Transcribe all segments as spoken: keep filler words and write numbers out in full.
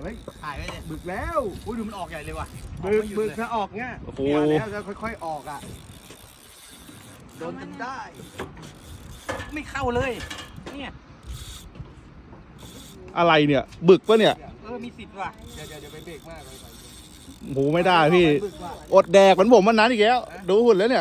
เฮ้ยถ่ายไว้เลยบึกแล้วอุ้ยดูมันออกใหญ่เลยว่ะบึกบึกถ้าออกเงี้ยโอ้โหเนี่ยแล้วจะค่อยๆออกอ่ะโดนจนได้ไม่เข้าเลยเนี่ยอะไรเนี่ย บึกปะเนี่ยเออมีสิทธิ์ว่ะเดี๋ยวเดี๋ยวเดี๋ยวไปเบรกมากเลยโหไม่ได้พี่ อดแดกเหมือนผมวันนั้นอีกแล้ว ดูหุ่นแล้วเนี่ย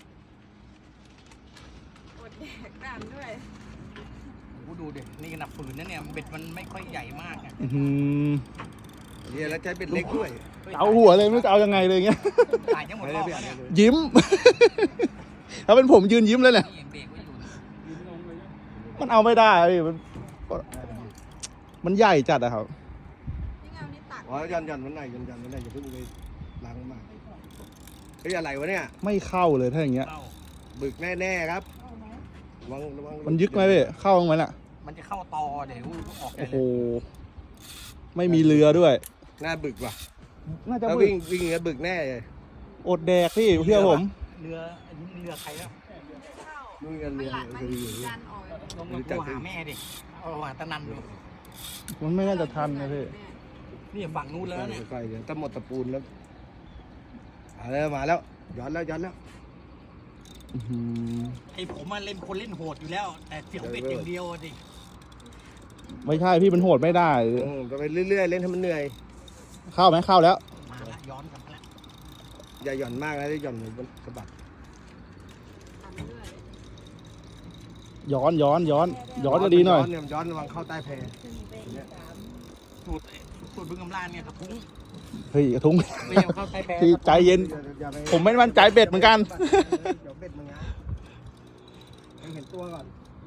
อดแดกน้ำด้วยโอ้ดูดินี่ขนาดฝืนนะเนี่ยเบ็ดมันไม่ค่อยใหญ่มากอ่ะอื้อหือเนี่ยแล้วใช้เป็นเล็กด้วยเอาหัวเลยไม่รู้จะเอายังไงเลยเงี้ยถ่ายทั้งหมดรอบแล้วเนี่ยยิ้ม ถ้าเป็นผมยืนยิ้มเลยเนี่ยนี่ยังเบรกไว้อยู่มันเอาไม่ได้พี่มันมันใหญ่จัดอะครับนี่เงานี่ตักอ๋อยันยันมันไหนยันยันมันไหนอย่าเพิ่งไปล้างมากเฮ้ยอะไรวะเนี่ยไม่เข้าเลยถ้าอย่างเงี้ยเข้าบึกแน่ๆครับระวังระวังมันยึกไหมพี่เข้าไหมล่ะมันจะเข้าตอเดี๋ยวออกใหญ่โอ้โหเลยไม่มีเรือด้วยหน้าบึกว่ะน่าจะถ้าบึวิ่กงวิ่งแล้วบึกแน่เลยอดแดกพี่เชื่อผมเรืออันนี้เรือใครแล้วเข้านู่นกันมันเรียนหลักมันคืออยู่ดันออกลงมาโทรหาแม่ดิเอาหาตะนันดูมันไม่น่าจะทันนะพี่นี่ฝั่งนู้นแล้วเนี่ยค่อยๆเดี๋ยวถ้าหมดตะปูนแล้วมาแล้วมาแล้วย้อนแล้วย้อนแล้วอื้อหือไอ้ผมมาเล่นคนเล่นโหดอยู่แล้ว แต่เสียวเบ็ดอย่างเดียวอะดิไม่ใช่พี่มันโหดไม่ได้อืมไปเรื่อยๆเล่นให้มันเหนื่อยเข้าไหมเข้าแล้วมาละย้อนกลับมาละอย่าหย่อนมากนะถ้าหย่อนเหมือนมันสะบัดทำด้วยย้อนย้อนย้อน ย้อนก็ดีหน่อยย้อนเนี่ยย้อนระวังเข้าใต้แพสูตรสูตรบึงกำลานเนี่ยกระทุ้งเฮ้ยกระทุ้งไม่ยอมเข้าใต้แพพี่ใจเย็นอย่าไปผมไม่มั่นใจเบ็ดเหมือนกันเดี๋ยวเบ็ดมึงนะให้เห็นตัวก่อน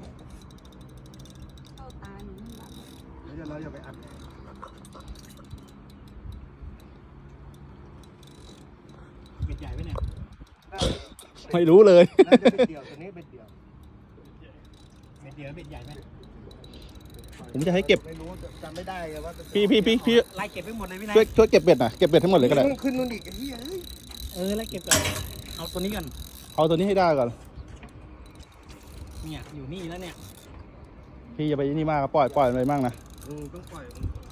เข้าตาหนูข้างหลังแล้วเดี๋ยวเราอย่าไปอัดเบ็ดใหญ่ไหมเนี่ยไม่รู้เลยน่าจะเบ็ดเดียวตัวนี้เบ็ดเดียวเบ็ดเดียวเบ็ดใหญ่ไหมผมจะให้เก็บไม่รู้จำไม่ได้ไงว่าจะพี่พี่พี่พี่ไล่เก็บไปหมดเลยพี่นายช่วยช่วยเก็บเบ็ดหน่อยเก็บเบ็ดทั้งหมดเลยก็ได้ขึ้นนู่นอีกไอ้เหี้ยเอ้ยเออไล่เก็บก่อนเอาตัวนี้ก่อนเอาตัวนี้ให้ได้ก่อนเนี่ยอยู่นี่แล้วเนี่ยพี่อย่าไปนี่มากปล่อยปล่อยมันไปมั่งนะอืมต้องปล่อยมัน